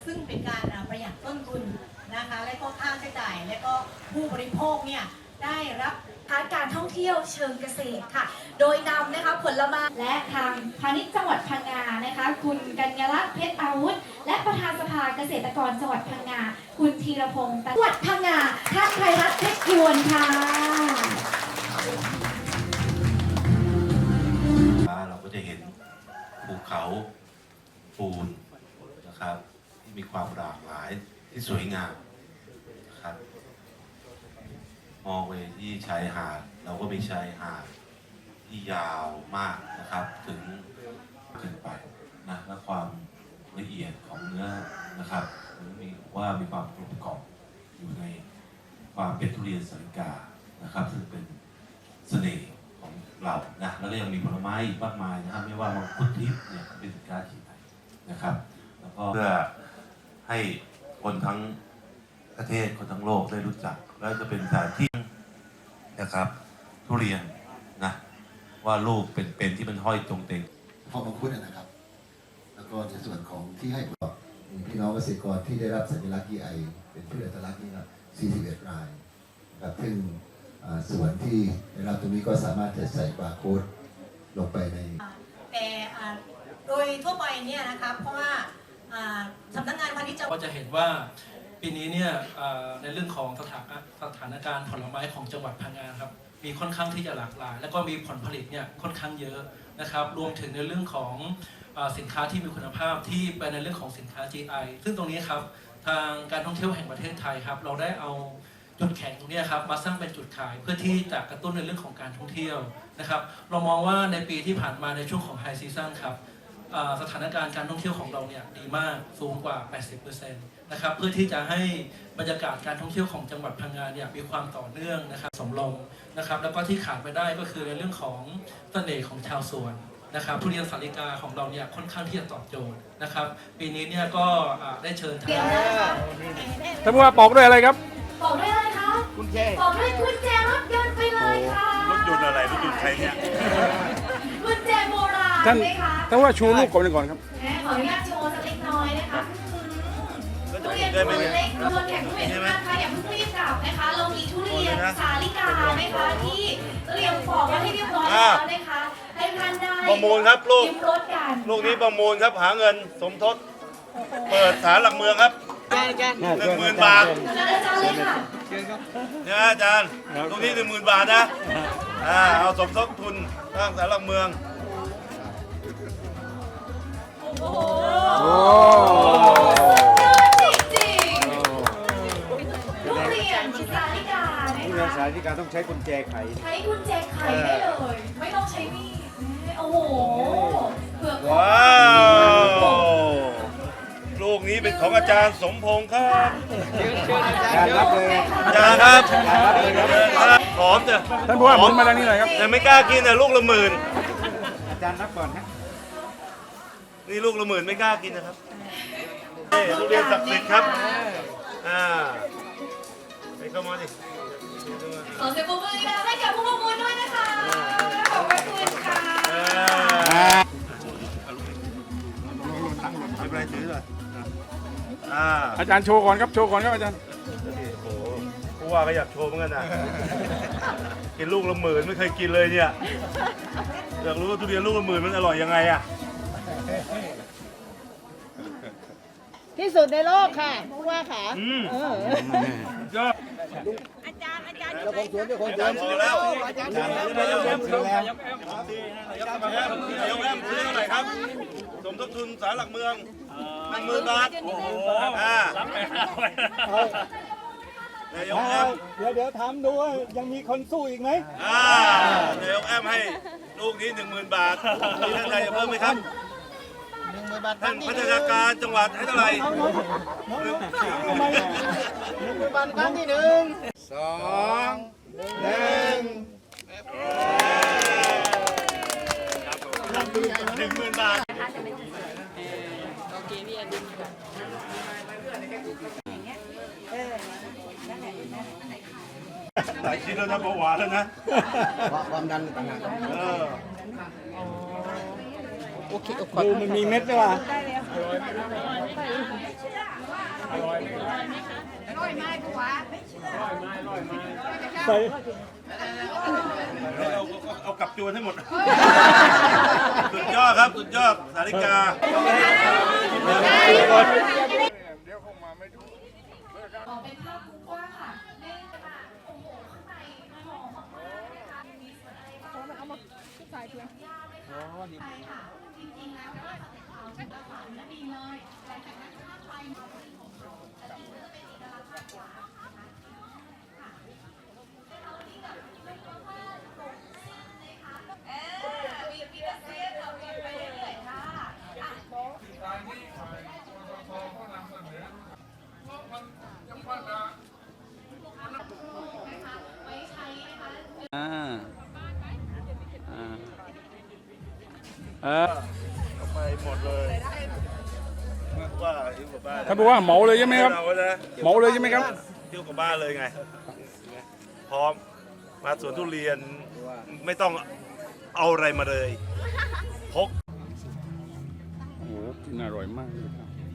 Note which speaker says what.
Speaker 1: ซึ่งเป็นการประหยัดต้นทุนนะคะและก็ค่าใช้จ่ายและก็ผู้บริโภคเนี่ยได้รับ
Speaker 2: การท่องเที่ยวเชิงเกษตรค่ะโดยนำนะคะผลไม้และทางพาณิชย์จังหวัดพังงานะคะคุณกัญญาลักษณ์เพชรอาวุธและประธานสภาเกษตรกรจังหวัดพังงาคุณธีรพงศ์จังหวัดพังงาท่านไพรัตน์เพชรยวนค่ะ
Speaker 3: เราก็จะเห็นภูเขาปูนนะครับที่มีความหลากหลายที่สวยงามนะครับมองไปที่ชายหาดเราก็มีชายหาดที่ยาวมากนะครับถึงขึ้นไปนะและความละเอียดของเนื้อนะครับมีว่ามีความกลมกล่อมอยู่ในความเป็นทุเรียนสาลิกานะครับซึ่งเป็นเสน่ห์ของเรานะแล้วก็ยังมีผลไม้อีกมากมายนะครับไม่ว่ามังคุดทิพย์เนี่ยเป็นสินค้าที่ไหนนะครับแล้วก็เพื่อให้คนทั้งประเทศคนทั้งโลกได้รู้จักแล้วจะเป็นสถานที่นะครับทุเรียนนะว่าลูกเป็นที่มันห้อยตรงเต็ง
Speaker 4: พอมังคุดนะครับแล้วก็ในส่วนของที่ให้พี่น้องเกษตรกรที่ได้รับสัญลักษณ์ GI เป็นพืชอัตลักษณ์นี่ครับ41 รายนะครับซึ่งส่วนที่ได้รับตรงนี้ก็สามารถจะใส่บาร์โค้ดลงไปใน
Speaker 1: แต่โดยทั่วไปเนี่ยนะคะเพราะว่าสำนักงานพาณิชย์
Speaker 5: ก็จะเห็นว่าปีนี้เนี่ยในเรื่องของสถานการณ์ผลไม้ของจังหวัดพังงาครับมีค่อนข้างที่จะหลากหลายแล้วก็มีผลผลิตเนี่ยค่อนข้างเยอะนะครับรวมถึงในเรื่องของสินค้าที่มีคุณภาพที่เป็นในเรื่องของสินค้า GI ซึ่งตรงนี้ครับทางการท่องเที่ยวแห่งประเทศไทยครับเราได้เอาจุดแข็งตรงนี้ครับมาสร้างเป็นจุดขายเพื่อที่จะกระตุ้นในเรื่องของการท่องเที่ยวนะครับเรามองว่าในปีที่ผ่านมาในช่วงของไฮซีซั่นครับสถานการณ์การท่องเที่ยวของเราเนี่ยดีมากสูงกว่า 80% นะครับเพื่อที่จะให้บรรยากาศการท่องเที่ยวของจังหวัดพังงาเนี่ยมีความต่อเนื่องนะครับสมลงนะครับแล้วก็ที่ขาดไปได้ก็คือในเรื่องของเสน่ห์ของชาวสวนนะครับทุเรียนสาลิกาของเราเนี่ยค่อนข้างที่จะตอบโจทย์นะครับปีนี้เนี่ยก็ได้เชิญ
Speaker 6: ท่านผู้ว่าปอกด้วยอะไรครับ
Speaker 2: ปอกด้วยอะไรคะกุญแจปอกด้วยกุญแจรถยนต์ไปเลยค่ะ
Speaker 3: รถยนต์อะไรรถยนต์ใครเนี่ย
Speaker 2: กุญแจโบราณไหมคะ
Speaker 6: ท่านว่าชูลูกก่อนครับ
Speaker 2: ขออนุญาตโชว์สักเล็กน้อยนะคะทุเรียนตัวเล็กตัวแข็งทุเรียนมากค่ะอย่าเพิ่งรีบกลับนะคะเรามีทุเรียนสาลิกานะคะที่เตรียมปอกมาให้เรียบร้อยแล้วนะคะให้ท่านได้
Speaker 3: ประมูลครับลูก
Speaker 2: ลู
Speaker 3: กนี้ประมูลครับหาเงินสมทบเปิดศาลหลักเมืองครับ10,000 บาทเนี่ยอาจารย์ตรงนี้10,000 บาทนะเอาสมทบทุนสร้างศาลหลักเมือง
Speaker 2: โอ้จริงทุเรียนสาลิกา
Speaker 6: ทุเรียนสาลิกาต้องใช้กุญแจไข
Speaker 2: ใช้กุญแจไขได้เลยไม่ต้องใช้มีดโอ้โห
Speaker 3: ว้าวลูกนี้เป็นของอาจารย์สมพงษ์ครับ
Speaker 6: อาจารย์รับเลย
Speaker 3: อาจารย์ครับหอมจ้ะ
Speaker 6: ท่านผู้ว่าหมุนมาทางนี้หน่อยครับ
Speaker 3: แต่ไม่กล้ากินนะลูกละ10,000
Speaker 6: อาจารย์รับก่อนฮะ
Speaker 3: นี่ลูกละ10,000ไม่กล้ากินนะครับทุเรียนศักดิ์สิทธิ์ครับไปเข้ามาดิ
Speaker 2: ขอเสียงปรบมือให้กับผู้ประมูลด้วยนะคะขอบคุณค่ะ
Speaker 3: ไม่เป็นไรถือเลย
Speaker 6: อาจารย์โชว์ก่อนครับอาจารย์
Speaker 3: โอ้โหผู้ว่าก็อยากโชว์เหมือนกันนะกินลูกละ10,000ไม่เคยกินเลยเนี่ยอยากรู้ว่าทุเรียนลูกละ10,000มันอร่อยยังไงอะ
Speaker 7: ที่สุดในโลกค่ะผู้ว่าค่ะ
Speaker 3: ยอด
Speaker 7: อาจารย์
Speaker 3: เจ้าของสวนแล้วอาจารย์นายกแอมซื้อเท่าไหร่ครับสมทบทุนศาลหลักเมือง10,000 บาทโอ้โหรับไปนายกแอม
Speaker 8: เดี๋ยวถามดูว่ายังมีคนสู้อีกไหม
Speaker 3: นายกแอมให้ลูกนี้10,000 บาทมีท่านใดจะเพิ่มไหมครับท่านพัฒนาการจังหวัดให้เท่าไหร่
Speaker 7: 10,000 บาทครั้งที่1
Speaker 8: 2 1
Speaker 3: 10,000 บาทหลายชิ้นแล้วนะเบาหวานแล้วนะ
Speaker 8: ความดันต่างหากโอเคดูมันมีเม็ดด้วยว่ะใส่
Speaker 3: เอากลับจวนให้หมด สุดยอดครับ สุดยอด สาริกา
Speaker 2: ออกเป็นภาพมุมกว้างค่ะเล่นกันมาโอ้โห ข้างในหอมมากๆนะคะมีส่วนอะไรบ้างเอามาใส่เพื่อนยาเลยค่ะใช่ค่ะ จริงๆแล้วก็จะเป็นข่าวถึงกระฝันและดีเลยแต่จากนั้นถ้าไปมาเป็นของเขาแต่ที่จะเป็นเอกลักษณ์มากกว่านะคะค่ะให้เราที่แบบไม่ต้องว่าตรงเส้นเลยค่ะมีเส้นเรามีไปเรื่อยๆค่ะไว้ใช้นะคะ
Speaker 3: ไปหมดเลยว่าอยู่กับบ้าน
Speaker 6: ท่านผู้ว่าเหมาเลยใช่ไหมครับ เหมาเลยใช่ไหมครับ
Speaker 3: เที่ยวกับบ้านเลยไง พร้อม มาสวนทุเรียน ไม่ต้องเอาอะไรมาเลย พก
Speaker 6: โอ้โหกินอร่อยมากเลยครับ